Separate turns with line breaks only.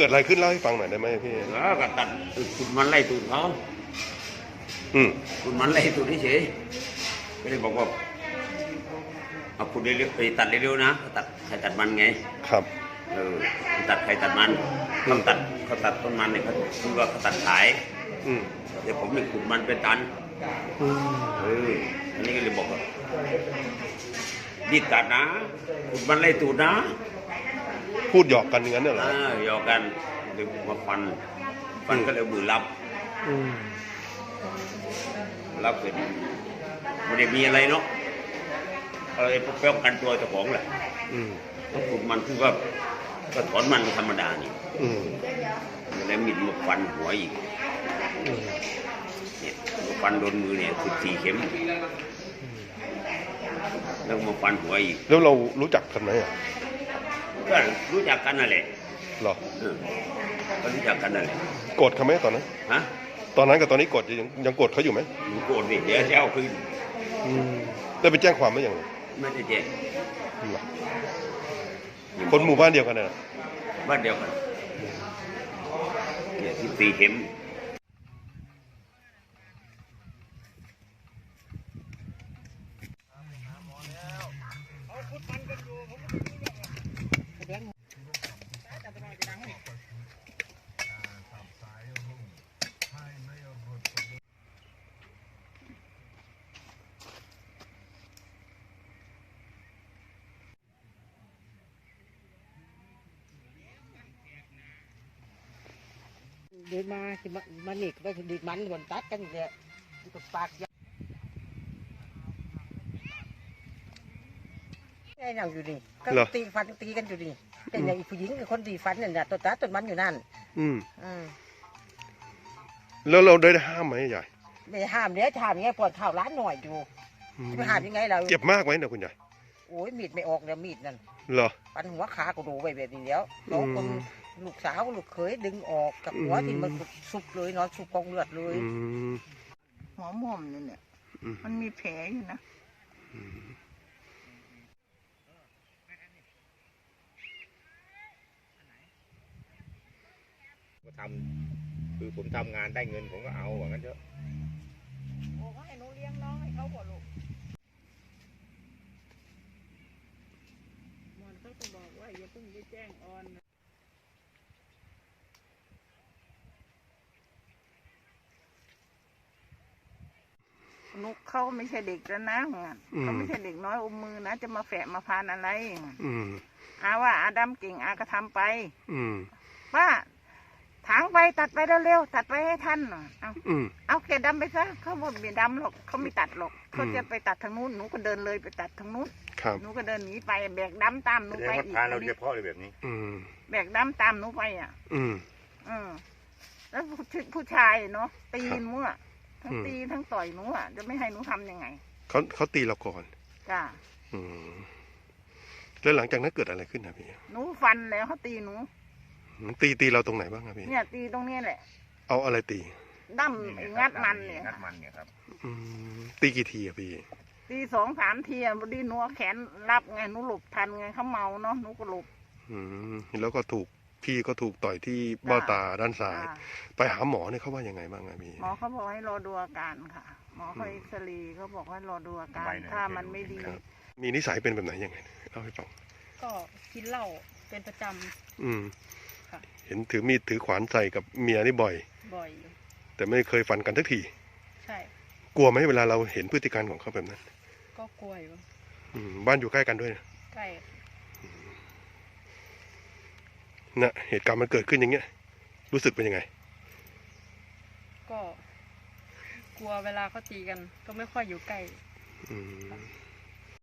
กิดอะไรขึ้นเล่าให้ฟังหน่อยได้ไหมพี่
แล้วก็ตัดคุณมันไล่ตูดเขาคุณมันไล่ตูดเฉยไม่ได้บอกว่าเอาคุณเร็วๆไปตัดเร็วๆนะตัดใครตัดมันไง
ครับ
ตัดใครตัดมันเขาตัดต้นมันเนี่ยเขาคือว่าเขาตัดขายเดี๋ยวผมเนี่ยขุดมันเป็นตันอันนี้ก็เลยบอกว่ารีบตัดนะขุดมันไล่ตูดนะ
พูดหยอกกันอย่างนั้นเหรอ
หยอกกันเดี๋ยวมาฟันก็เลยมือรับเสร็จไม่ได้มีอะไรเนาะอะไรป้องกันตัวเจ้าของแหละต้องขุดมันคือว่าก็ถอนมันธรรมดานี่แล้วมีดมาฟันหัวอีกเนี่ยมาฟันโดนมือเนี่ย14 เข็มแล้วมาฟันหัวอีก
แล้วเรารู้จักกันไหม
ก็รู้จักกันนั่นแหละ
หรอ
ก็รู้จักกันนั่นแหละ
โกรธเขาไหมตอนนั้นตอนนั้นกับตอนนี้โกรธยังโกรธเขาอยู่ไหม
โกรธดิเดี๋ยวจะเอาคืน
ได้ไปแจ้งความไหมยัง
ไม่ได้แจ้ง
คนหมู่บ้านเดียวกันนะ
บ้านเดียวกันเนี่ย14 เข็ม
เดินมาที่มันนี่ก็ดีมันก่อนตัดกันเนี่ยตบปากยังไงนั่งอยู่นี่ก็ตีฟันตีกันอยู่นี่แต่เนี่ยผู้หญิงกับคนตีฟันเนี่ยตัวตัดต้นมันอยู่นั่น
แล้วเราได้ห้ามไหมยาย
ไม่ห้ามเดี๋ยวห้ามยังไงปวดเท้าร้านหน่อยอยู่จะห้ามยังไงเรา
เจ็บมากไหมนะคุณยาย
โอ้ยมีดไม่ออกเลยมีดนั่น
เหรอ
ปันหัวขาก็ดูไปแบบนี้แล้วน้องคนลูกสาวลูกเขยดึงออกกับหัวที่มันสุกเลยนอนสุกกองเลือดเลย
หัวม่อมนี่เนี่ยมันมีแผลอยู่นะ
ก็ทำคือผมทำงานได้เงินผมก็เอาว่างั้นเถอะ
โอ้ให้หนูเลี้ยงน้องให้เขาบ่ลูกมันก็บอกว่าอย่าเพิ่งไปแจ้งออนนุกเขาไม่ใช่เด็กแล้วนะเขาไม่ใช่เด็กน้อยอมมือนะจะมาแฝะมาพานอะไรอาว่าอาดำเก่งอาก็ทำไปว่าถางไปตัดไปเร็วๆตัดไปให้ทันเอาแกดำไปซะเขาบอกไม่ดำหรอกเขาไม่ตัดหรอกเขาจะไปตัดทางนู้นหนูก็เดินเลยไปตัดทางนู้นหนูก็เดินหนีไปแบกดำตามหนูไปอีก
เราเฉพาะเลยแบบนี้
แบกดำตามหนูไปแล้วผู้ชายเนาะตีนมั่วทั้งตีทั้งต่อยหนูจะไม่ให้หนูทำยังไง
เขาตีเราก่อน
จ้า
แล้วหลังจากนั้นเกิดอะไรขึ้นนะพี่
หนูฟันแล้วเขาตีหนู
ตีเราตรงไหนบ้างครับพี่
เนี่ยตีตรงนี้แหละ
เอาอะไรตี
ดั้มงัดมันเนี่ย
ครับ
ตีกี่ทีอะพี่
ตี2 3 ทีพอดีหนูแขนรับไงหนูหลบทันไงเขาเมาเนาะหนูก็หลบ
แล้วก็พี่ก็ถูกต่อยที่เบ้าตาด้านซ้ายไปหาหมอเนี่ยเขาว่ายังไงบ้างครับพี่
หมอเขาบอกให้รอดูอาการค่ะหมอเขาเอ็กซเรย์เขาบอกให้รอดูอาการถ้ามันไม่ดี
มีนิสัยเป็นแบบไหนยังไงเล่าให้ฟัง
ก็กินเหล้าเป็นประจ
เห็นถือมีดถือขวานใส่กับเมียนี่บ่อยแต่ไม่เคยฟันกันสักที
ใช่
กลัวไหมเวลาเราเห็นพฤติการของเขาแบบนั้น
ก็กลัวอยู่
บ้านอยู่ใกล้กันด้วย
ใกล้
นะเหตุการณ์มันเกิดขึ้นอย่างเงี้ยรู้สึกเป็นยังไง
ก็กลัวเวลาเขาตีกันก็ไม่ค่อยอยู่ใกล้